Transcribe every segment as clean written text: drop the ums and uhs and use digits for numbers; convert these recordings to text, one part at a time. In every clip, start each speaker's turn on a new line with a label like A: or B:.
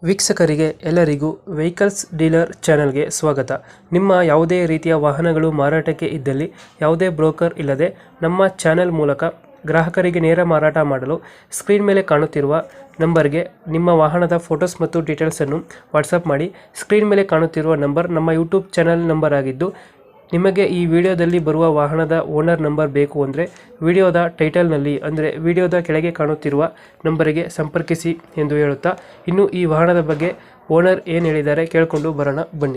A: ವೀಕ್ಷಕರಿಗೆ ಎಲ್ಲರಿಗೂ vehicles dealer ಚಾನೆಲ್ಗೆ ಸ್ವಾಗತ. ನಿಮ್ಮ ಯಾವುದೇ ರೀತಿಯ ವಾಹನಗಳು ಮಾರಾಟಕ್ಕೆ ಇದ್ದಲ್ಲಿ ಯಾವುದೇ ಬ್ರೋಕರ್ ಇಲ್ಲದೆ ನಮ್ಮ ಚಾನೆಲ್ ಮೂಲಕ ಗ್ರಾಹಕರಿಗೆ ನೇರ ಮಾರಾಟ ಮಾಡಲು ಸ್ಕ್ರೀನ್ ಮೇಲೆ ಕಾಣುತ್ತಿರುವ ನಂಬರ್ಗೆ ನಿಮ್ಮ ವಾಹನದ ಫೋಟೋಸ್ ಮತ್ತು ಡೀಟೇಲ್ಸನ್ನು ವಾಟ್ಸಪ್ ಮಾಡಿ. ಸ್ಕ್ರೀನ್ ಮೇಲೆ ಕಾಣುತ್ತಿರುವ ನಂಬರ್ ನಮ್ಮ ಯೂಟ್ಯೂಬ್ ಚಾನೆಲ್ ನಂಬರ್ ಆಗಿದ್ದು, ನಿಮಗೆ ಈ ವಿಡಿಯೋದಲ್ಲಿ ಬರುವ ವಾಹನದ ಓನರ್ ನಂಬರ್ ಬೇಕು ಅಂದರೆ ವಿಡಿಯೋದ ಟೈಟಲ್ನಲ್ಲಿ ಅಂದರೆ ವಿಡಿಯೋದ ಕೆಳಗೆ ಕಾಣುತ್ತಿರುವ ನಂಬರಿಗೆ ಸಂಪರ್ಕಿಸಿ ಎಂದು ಹೇಳುತ್ತಾ, ಇನ್ನು ಈ ವಾಹನದ ಬಗ್ಗೆ ಓನರ್ ಏನು ಹೇಳಿದ್ದಾರೆ ಕೇಳಿಕೊಂಡು ಬರೋಣ ಬನ್ನಿ.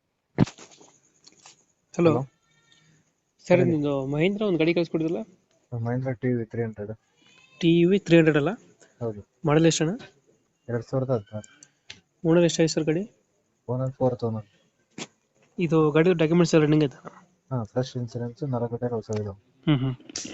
A: ಹಲೋ
B: ಹಲೋ
A: ಸರ್, ನಿಮ್ಮದು ಮಹೇಂದ್ರ ಒಂದು ಗಾಡಿ ಕಳಿಸ್ಕೊಡಿದ್ರಲ್ಲ,
B: ಮಹೇಂದ್ರ ಟಿವಿ 300.
A: TV 300 ಅಲ್ಲ?
B: ಹೌದು,
A: ಮಾಡಲ್ ಎಷ್ಟಣ್ಣ?
B: 2016.
A: ಓನರ್ ಎಷ್ಟಾಯ್ತು ಸರ್ ಗಾಡಿ?
B: Owner 4th owner.
A: ಇದು ಗಾಡಿ ಡಾಕ್ಯುಮೆಂಟ್ಸ್ ರನ್ನಿಂಗ್ ಆಯ್ತಾ?
B: ಫ್ರೆಶ್ ಇನ್ಸೂರೆನ್ಸ್ 4 ಟೈರ್ ಹೊಸ ಇದಾವೆ.
A: ಹ್ಞೂ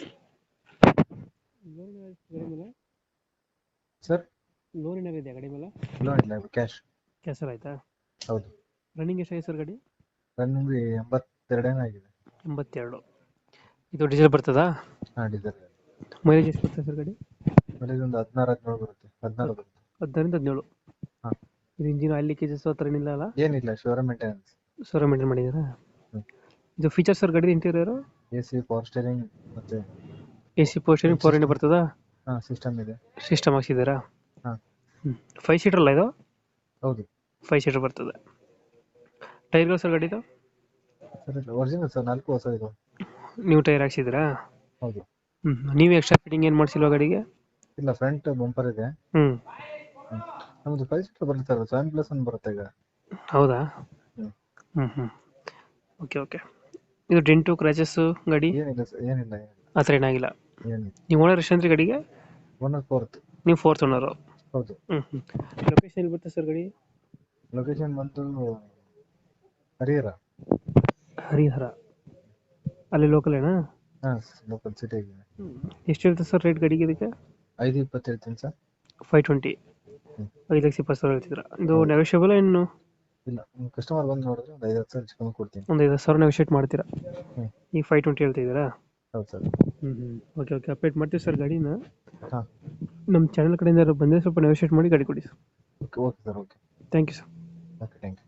B: ಸರ್,
A: ಲೋನ್ ಏನಾರು ಇದೆಯಾ ಗಾಡಿ ಮೇಲೆ?
B: ಲೋನ್ ಇಲ್ಲ, ಕ್ಯಾಶ್.
A: ಕ್ಯಾನ್ಸಲ್ ಆಯ್ತಾ?
B: ಹೌದು,
A: ರನ್ನಿಂಗ್ ಎಷ್ಟಾಗಿದೆ ಸರ್ ಗಾಡಿ?
B: ರನ್ನಿಂಗ್ 82 ಏನೋ ಆಗಿದೆ.
A: 82. ಇದು ಡೀಸೆಲ್ ಬರ್ತದಾ?
B: ಡೀಸೆಲ್.
A: ಮೈಲೇಜ್ ಎಷ್ಟು ಬರ್ತದೆ ಸರ್ ಗಾಡಿ?
B: ಮೈಲೇಜ್ ಒಂದು 16-17 ಬರುತ್ತೆ. 14 ಬರುತ್ತೆ.
A: 16-17.
B: ಹಾಂ,
A: ಇದು ಇಂಜಿನ್ ಆಯಿಲ್ ಲೀಕೇಜಸ್ ಆ ಥರ ಏನಿಲ್ಲ ಅಲ್ಲ?
B: ಏನಿಲ್ಲ, ಶೋರೂಮ್ ಮೇಂಟೆನೆನ್ಸ್.
A: ಸರ್ ಮೇಂಟೈನ್ ಮಾಡಿದ್ದೀರಾ?
B: ಹ್ಮ್.
A: ಇದು ಫೀಚರ್ಸ್ ಸರ್ ಗಾಡಿ ಇಂಟೀರಿಯರು?
B: AC, ಪವರ್ ಸ್ಟೇರಿಂಗ್ ಮತ್ತೆ
A: AC ಪವರ್ ಸ್ಟೇರಿಂಗ್ 4 ಬರ್ತದಾ?
B: ಸಿಸ್ಟಮ್ ಇದೆ.
A: ಸಿಸ್ಟಮ್ ಹಾಕ್ಸಿದ್ದೀರಾ?
B: ಹಾಂ,
A: 5 ಸೀಟರ್ ಅಲ್ಲ ಇದು?
B: ಹೌದು.
A: 5 ಸೀಟರ್ ಬರ್ತದೆ. ಟೈರ್ಗಳು ಸರ್ ಗಾಡಿದು?
B: ಸರ್, ಒರಿಜಿನಲ್ ಸರ್, 4 ಹೊಸ ಇದಾವೆ.
A: ನೀವು ಟೈರ್ ಹಾಕ್ಸಿದ್ದೀರಾ?
B: ಹೌದು.
A: ನೀವು ಎಕ್ಸ್ಟ್ರಾ ಫಿಟ್ಟಿಂಗ್ ಏನು ಮಾಡಿಸಿಲ್ವಾ ಗಾಡಿಗೆ?
B: ಇಲ್ಲ, ಫ್ರಂಟ್ ಬಂಪರ್ ಇದೆ.
A: ಹ್ಞೂ.
B: ನಮ್ದು 5 ಸೀಟರ್ ಬರುತ್ತೆ ಸರ್, 7+1 ಬರುತ್ತೆ ಈಗ.
A: ಹೌದಾ?
B: ಹ್ಮ್.
A: Okay okay. ಇದು ಡೆಂಟು ಕ್ರ್ಯಾಚಸ್ಸು ಗಾಡಿ
B: ಏನಿಲ್ಲ ಸರ್, ಏನಿಲ್ಲ.
A: ಆ ಥರ ಏನಾಗಿಲ್ಲ?
B: ಏನಿಲ್ಲ.
A: ನೀವು ಓನರ್ ಎಷ್ಟು ಅಂದ್ರೆ ಗಾಡಿಗೆ?
B: Owner 4th.
A: ನೀವು 4th ಓನರು?
B: ಹೌದು.
A: ಲೊಕೇಶನ್ ಎಲ್ಲಿ ಬರುತ್ತೆ ಸರ್ ಗಾಡಿ?
B: ಲೊಕೇಶನ್ ಬಂದು ಹರಿಹರ.
A: ಹರಿಹರ ಅಲ್ಲಿ ಲೋಕಲ್ ಏನಾ?
B: ಲೋಕಲ್ ಸಿಟಿಗೆ.
A: ಎಷ್ಟು ಇರುತ್ತೆ ಸರ್ ರೇಟ್ ಗಾಡಿಗೆ ಇದಕ್ಕೆ?
B: 5.20 ಹೇಳ್ತೀನಿ ಸರ್.
A: 520. 5,20,000 ಹೇಳ್ತಿದ್ರ. ಇದು ನೆಗೋಷಿಯಬಲ್ ಇನ್ನು?
B: ಇಲ್ಲ, ಕಸ್ಟಮರ್ ಬಂದು ನೋಡಿದ್ರೆ ಒಂದು 5-10 ಸಾವಿರ ಚಿಕನ್ ಕೊಡ್ತೀನಿ.
A: ಒಂದು 5,000 ನೆಗೋಷಿಯೇಟ್ ಮಾಡ್ತೀರಾ?
B: ಹ್ಮ್.
A: ಈಗ 520 ಹೇಳ್ತಿದ್ದೀರಾ?
B: ಹೌದು ಸರ್.
A: ಓಕೆ ಓಕೆ, ಅಪ್ಡೇಟ್ ಮಾಡ್ತೀವಿ ಸರ್ ಗಾಡಿನ.
B: ಹಾಂ,
A: ನಮ್ಮ ಚಾನಲ್ ಕಡೆಯಿಂದ ಬಂದರೆ ಸ್ವಲ್ಪ ನೆಗೋಷಿಯೇಟ್ ಮಾಡಿ ಗಾಡಿ ಕೊಡಿ sir.
B: Okay sir, okay.
A: Thank you sir.
B: Okay, thank you.